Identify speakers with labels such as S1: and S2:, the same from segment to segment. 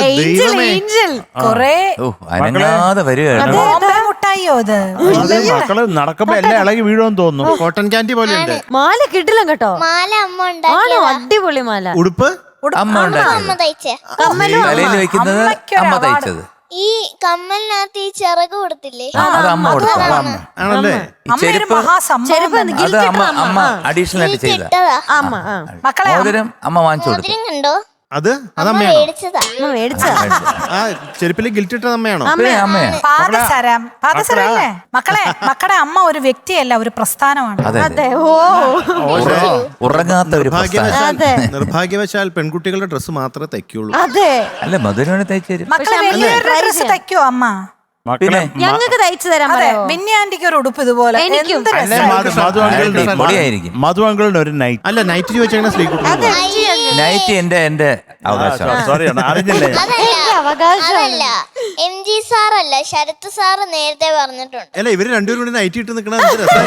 S1: കൊറേ
S2: അനങ്ങാതെ വരികയാണ്.
S1: മുട്ടായിയോ അത്
S3: മക്കള് നടക്കുമ്പോ എല്ലാം ഇളകി വീഴുമെന്ന് തോന്നുന്നു.
S4: കോട്ടൺ ക്യാൻഡി പോലെ ഉണ്ട്.
S5: മാല കിട്ടില്ല കേട്ടോ.
S6: മാല അമ്മ
S5: ആണോ?
S6: ഉണ്ടാക്കിയതാ.
S5: അടിപൊളി മാല.
S4: ഉടുപ്പ്
S2: അമ്മ ഉണ്ടാക്കിയത്.
S6: അമ്മ തയ്ച്ചേ.
S2: തലയിൽ വെക്കുന്നത് അമ്മ തയ്ച്ചത്.
S6: ഈ കമ്മലിനകത്ത് ഈ ചിറക് കൊടുത്തില്ലേ,
S2: അത് അമ്മ കൊടുത്തത്.
S4: ആണല്ലേ?
S2: ഈ ചെരുപ്പ് അത് അമ്മ അഡീഷണൽ ആയിട്ട് ചെയ്ത.
S6: ഇട്ടതാ.
S1: മക്കളെ
S2: മോതിരം അമ്മ വാങ്ങിച്ചു കൊടുത്തു.
S6: മോതിരം കണ്ടോ?
S4: അത്
S6: അമ്മ
S4: അതമ്മയാണോ?
S6: മേടിച്ചതാ.
S4: ആ ചെരുപ്പില് ഗിൽറ്റിട്ടത് അമ്മയാണോ?
S2: അമ്മയാ.
S1: പാദസരല്ലേ മക്കളെ? മക്കളുടെ അമ്മ ഒരു വ്യക്തിയല്ല, ഒരു പ്രസ്ഥാനമാണ്.
S2: അതെ. ഉറങ്ങാത്ത ഒരു
S4: നിർഭാഗ്യവശാൽ പെൺകുട്ടികളുടെ ഡ്രസ്സ് മാത്രമേ തയ്ക്കുള്ളൂ.
S5: അതെ.
S2: അല്ല മധുരനെ തയ്ച്ചു തരും.
S1: മക്കളെ വലിയൊരു ഡ്രസ് തയ്ക്കോ അമ്മ?
S3: മക്കളെ
S5: ഞങ്ങൾക്ക് തയ്ച്ചു തരാൻ പറയാമോ?
S1: മിന്നി ആന്റിക്ക് ഒരു ഉടുപ്പ് ഇതുപോലെ.
S5: എനിക്കും.
S2: പൊടിയായിരിക്കും.
S3: മധു അങ്കിളിന് ഒരു നൈറ്റ്.
S4: അല്ല നൈറ്റ് ചോദിച്ചാൽ സ്ത്രീ
S2: നൈറ്റ് എന്റെ അവകാശം.
S3: സോറി അറിഞ്ഞില്ലേ?
S6: അതല്ല MG സാറല്ല, ശരത് സാറ് നേരത്തെ പറഞ്ഞിട്ടുണ്ട്.
S4: അല്ല ഇവര് രണ്ടുപേരും കൂടി നൈറ്റ് ഇട്ട് നിക്കണ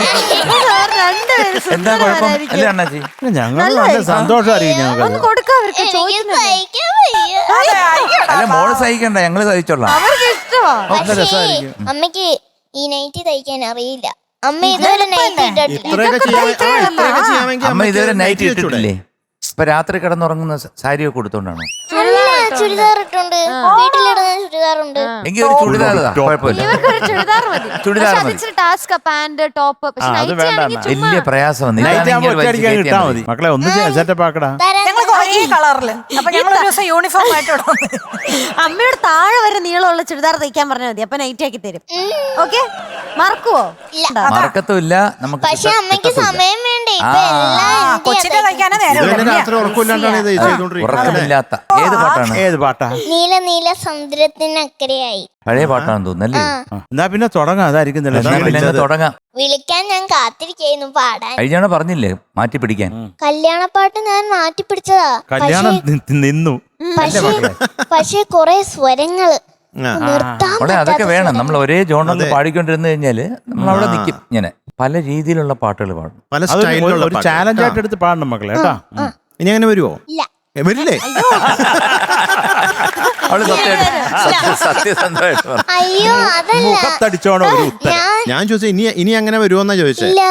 S2: എന്താ കുഴപ്പം? അല്ലേ അണ്ണാച്ചി?
S3: ഞങ്ങൾ നല്ല സന്തോഷമായിരിക്കും ഞങ്ങൾക്ക്.
S5: ഒന്ന് കൊടുക്കാം അവർക്ക്.
S6: എനിക്ക് സഹിക്കാൻ വയ്യ.
S2: അല്ല മോള് സഹിക്കണ്ട, ഞങ്ങള് സഹിച്ചോളാം.
S5: അവർക്ക് ഇഷ്ടമാ.
S6: പക്ഷേ അമ്മയ്ക്ക് ഈ നൈറ്റ് തയ്ക്കാൻ അറിയില്ല. അമ്മ ഇതുവരെ നൈറ്റ് ഇട്ടിട്ടില്ല.
S4: ഇത്രയൊക്കെ ചെയ്യാമെങ്കിൽ
S2: അമ്മ ഇതുവരെ നൈറ്റ് ഇട്ടിട്ടില്ലേ? ഇപ്പൊ രാത്രി കിടന്നുറങ്ങുന്ന സാരിയൊക്കെ കൊടുത്തോണ്ടാണോ?
S6: അല്ല, ചുരിദാർ ഇട്ടുണ്ട്. വീട്ടിലിടുന്ന ചുരിദാറുണ്ട്.
S2: എങ്കിൽ ഒരു ചുടിദാർ കുഴപ്പമില്ല.
S5: ഇവർക്കൊരു ചുരിദാർ മതി.
S2: ചുടിദാർ മതി.
S5: ഇച്ചിരി ടാസ്ക്, പാന്റ്, ടോപ്പ്. പക്ഷെ
S3: അത് വേണ്ട.
S2: വലിയ പ്രയാസം.
S3: നൈറ്റ് ആകുമ്പോ ഒറ്റയടിക്കാൻ കിട്ടാ മതി. മക്കളെ ഒന്ന് സെറ്റപ്പ് ആക്കടാ.
S1: ഞങ്ങൾ ഒരേ കളറില്. അപ്പൊ ഞങ്ങൾ ഒരു ദിവസം യൂണിഫോം ആയിട്ട്
S5: അമ്മയോട് താഴെ വരെ നീളമുള്ള ചുരിദാർ തയ്ക്കാൻ പറഞ്ഞാൽ മതി. അപ്പൊ നൈറ്റ് ആക്കി തരും. ഓക്കെ? മറക്കുവോ?
S2: മറക്കത്തുമില്ല. നമുക്ക്
S6: പക്ഷെ അമ്മയ്ക്ക് സമയം വേണ്ടേ? ഇപ്പൊ എല്ലാം
S1: കൊച്ചിന്റെ തയ്ക്കാനേ നേരം.
S4: രാത്രി ഉറക്കമില്ലാണ്ടാണ് ഇത് ചെയ്തോണ്ടിരിക്കുന്നത്.
S2: ഉറക്കമില്ലാത്ത ഏത് പാട്ടാണ്?
S3: ഏത് പാട്ടാ?
S6: നീല നീല സമുദ്രത്തിനക്കരയായി.
S2: പഴയ പാട്ടാണെന്ന് തോന്നുന്നല്ലേ?
S3: എന്നാ പിന്നെ തുടങ്ങാം. അതായിരിക്കും
S2: തുടങ്ങാം.
S6: വിളിക്കാൻ ഞാൻ കാത്തിരിക്കുന്നു പാടാൻ.
S2: കഴിഞ്ഞാണ് പറഞ്ഞില്ലേ മാറ്റി പിടിക്കാൻ.
S6: കല്യാണപ്പാട്ട് ഞാൻ മാറ്റി പിടിച്ചതാ.
S3: കല്യാണം നിന്നു.
S6: പക്ഷേ കൊറേ സ്വരങ്ങള് നിർത്താൻ
S2: അവിടെ അതൊക്കെ വേണം. നമ്മൾ ഒരേ ജോണറിൽ പാടിക്കൊണ്ടിരുന്നു കഴിഞ്ഞാല് നമ്മൾ അവിടെ നിൽക്കും. ഇങ്ങനെ പല രീതിയിലുള്ള പാട്ടുകൾ പാടും.
S4: പല സ്റ്റൈലിലുള്ള
S3: ഒരു ചാലഞ്ച് ആയിട്ട് എടുത്ത് പാടണം മക്കളെ കേട്ടാ.
S4: ഇനി അങ്ങനെ വരുവോ?
S6: ഇല്ല.
S4: വരില്ലേ?
S2: അവള് സത്യസന്ധമായിട്ട് പറഞ്ഞു.
S6: അയ്യോ അതല്ല,
S3: മുഖത്തടിച്ചോണോ ഒരു ഉത്തരം.
S4: ഞാൻ ചോദിച്ചത് ഇനി അങ്ങനെ വരുമോന്നാ ചോദിച്ചേ.
S6: ഇല്ല.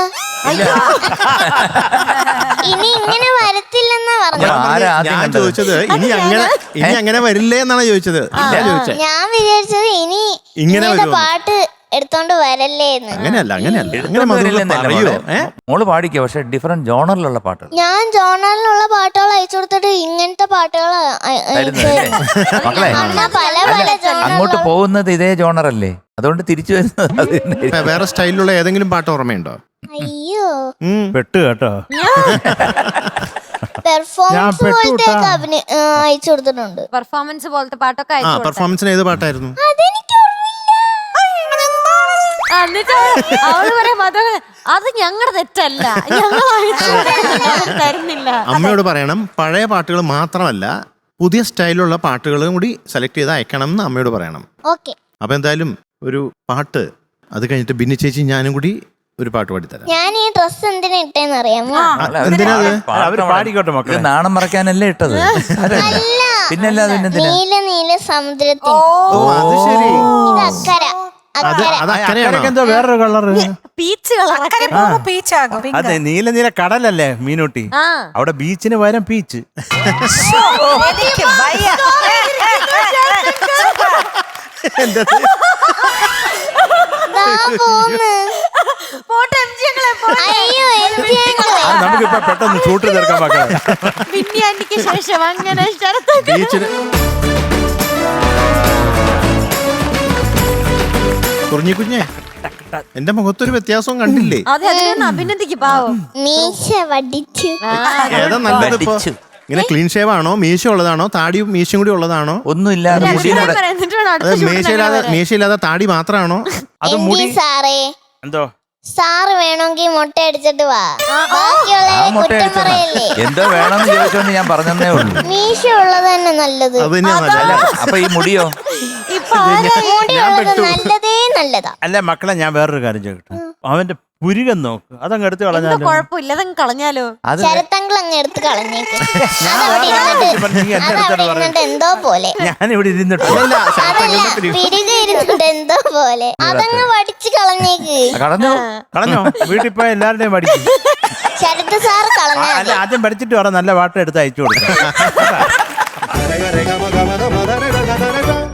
S6: ഇനി ഇങ്ങനെ വരത്തില്ലെന്നാ പറഞ്ഞു.
S4: ഞാൻ ചോദിച്ചത് ഇനി അങ്ങനെ വരില്ലേ എന്നാണ് ചോദിച്ചത്.
S6: ഞാൻ വിചാരിച്ചത് ഇനി
S4: ഇങ്ങനെ
S6: ഇങ്ങനത്തെ പാട്ട് എടുത്തോണ്ട് വരല്ലേന്ന്.
S4: അങ്ങനെയല്ല പറയോ.
S2: മോള് പാടിക്കോ, പക്ഷെ ഡിഫറെന്റ് ജോണറിലുള്ള പാട്ടുകൾ.
S6: ഞാൻ ജോണറിലുള്ള പാട്ടുകൾ അയച്ചു കൊടുത്തിട്ട് ഇങ്ങനത്തെ പാട്ടുകൾ
S2: മക്കളെ
S6: പല പല
S2: അങ്ങോട്ട് പോകുന്നത് ഇതേ ജോണറല്ലേ, അതുകൊണ്ട് തിരിച്ചു വരുന്നത്
S4: വേറെ സ്റ്റൈലിലുള്ള ഏതെങ്കിലും പാട്ട് ഓർമ്മയുണ്ടോ?
S6: അയ്യോ
S3: പെട്ട് കേട്ടോ.
S6: പെർഫോമൻസ് പോലത്തെ അയച്ചു കൊടുത്തിട്ടുണ്ട്.
S5: പെർഫോമൻസ് പോലത്തെ പാട്ടൊക്കെ അയച്ചു കൊടുത്തു.
S4: പെർഫോമൻസിന് ഏത് പാട്ടായിരുന്നു?
S6: അതെനിക്ക്
S5: എന്നിട്ട് അവള് പറയാം അത് ഞങ്ങളുടെ തെറ്റല്ല, ഞങ്ങൾ തരുന്നില്ല.
S4: അമ്മയോട് പറയണം പഴയ പാട്ടുകൾ മാത്രമല്ല പുതിയ സ്റ്റൈലിലുള്ള പാട്ടുകളും കൂടി സെലക്ട് ചെയ്ത് അയക്കണം എന്ന് അമ്മയോട് പറയണം.
S6: ഓക്കെ.
S4: അപ്പൊ എന്തായാലും ഒരു പാട്ട്, അത് കഴിഞ്ഞിട്ട് ബിന്നി ചേച്ചി ഞാനും കൂടി ഒരു പാട്ട് പാടിത്തരാം.
S6: ഞാൻ ഈ ഡ്രസ് എന്തിനാ ഇട്ടേന്ന് അറിയാമോ?
S3: അവര് പാടിക്കോട്ടെ മക്കളെ.
S2: നാണം മറക്കാനല്ലേ ഇട്ടത്? പിന്നല്ലാതെ
S6: നീല നീല സമുദ്രത്തിൽ.
S4: അത് ശരി.
S6: ഇത് അക്കര.
S3: എന്തോ വേറൊരു കളറ്,
S5: പീച്ച് കളർ.
S3: അതെ നീല നീല കടലല്ലേ മീനൂട്ടി? അവിടെ ബീച്ചിന് പകരം പീച്ച്. നമുക്കിപ്പോ പെട്ടെന്ന് ഷൂട്ട് തീർക്കാൻ മക്കളെ.
S5: ശേഷം അങ്ങനെ
S4: ബീച്ചിന് കുഞ്ഞേ എന്റെ മുഖത്തൊരു വ്യത്യാസവും കണ്ടില്ലേ?
S5: അഭിനന്ദിക്ക് പാവം.
S6: മീശ വടിച്ചു.
S4: ഏതാ നല്ലത് ഇപ്പൊ? ഇങ്ങനെ ക്ലീൻ ഷേവ് ആണോ, മീശ ഉള്ളതാണോ, താടിയും മീശയും കൂടി ഉള്ളതാണോ?
S2: ഒന്നുമില്ലാതെ
S4: മീശയില്ലാതെ താടി മാത്രമാണോ? അത് മുടി
S6: സാറേ
S3: എന്തോ
S6: സാറ് വേണമെങ്കിൽ മുട്ട അടിച്ചിട്ട് വാ. ബാക്കിയുള്ള കുറ്റം പറയല്ലേ.
S2: എന്തോ വേണമെന്ന് ചോദിച്ചോണ്ട് ഞാൻ പറഞ്ഞതേ ഉള്ളൂ.
S6: മീശ ഉള്ളത് തന്നെ നല്ലത്.
S2: അപ്പൊ ഈ മുടിയോ?
S6: മുടി ഉള്ളത് നല്ലതേ നല്ലതാ.
S3: അല്ല മക്കളെ, ഞാൻ വേറൊരു കാര്യം ചോദിക്കട്ടെ. അവന്റെ പുരുകൻ നോക്ക് അതങ്ങ് എടുത്ത്
S5: എന്താ
S3: കളഞ്ഞാലോ
S5: കുഴപ്പമില്ല അതങ്ങ് കളഞ്ഞാലോ?
S2: അത്
S6: ശരത്തങ്കിൾ അങ്ങ് എടുത്ത് കളഞ്ഞേക്ക്.
S3: ഞാൻ
S6: അതവിടെ ഇരുന്നിട്ട്
S3: നീ എന്നെ
S6: അതവിടെ
S3: എടുത്തോണ്ട് പറഞ്ഞു
S6: ഇരുന്നിട്ട് എന്തോ പോലെ.
S3: ഞാനിവിടെ ഇരുന്നിട്ട്
S6: അതല്ല പിരികെ ഇരുന്നിട്ട് എന്തോ പോലെ. അതങ്ങ് വടിച്ച് കളഞ്ഞേക്ക്.
S2: കടഞ്ഞു
S3: കളഞ്ഞോ വീട്ടിൽ പോയ എല്ലാവരുടെയും പഠിക്കും
S6: ശരത് സാർ കളഞ്ഞാ
S3: അല്ല ആദ്യം പഠിച്ചിട്ട് പറ നല്ല പാട്ട് എടുത്ത് അയച്ചു കൊടുക്കാം
S4: Rega, rega, maga, maga, maga, rega, rega, rega.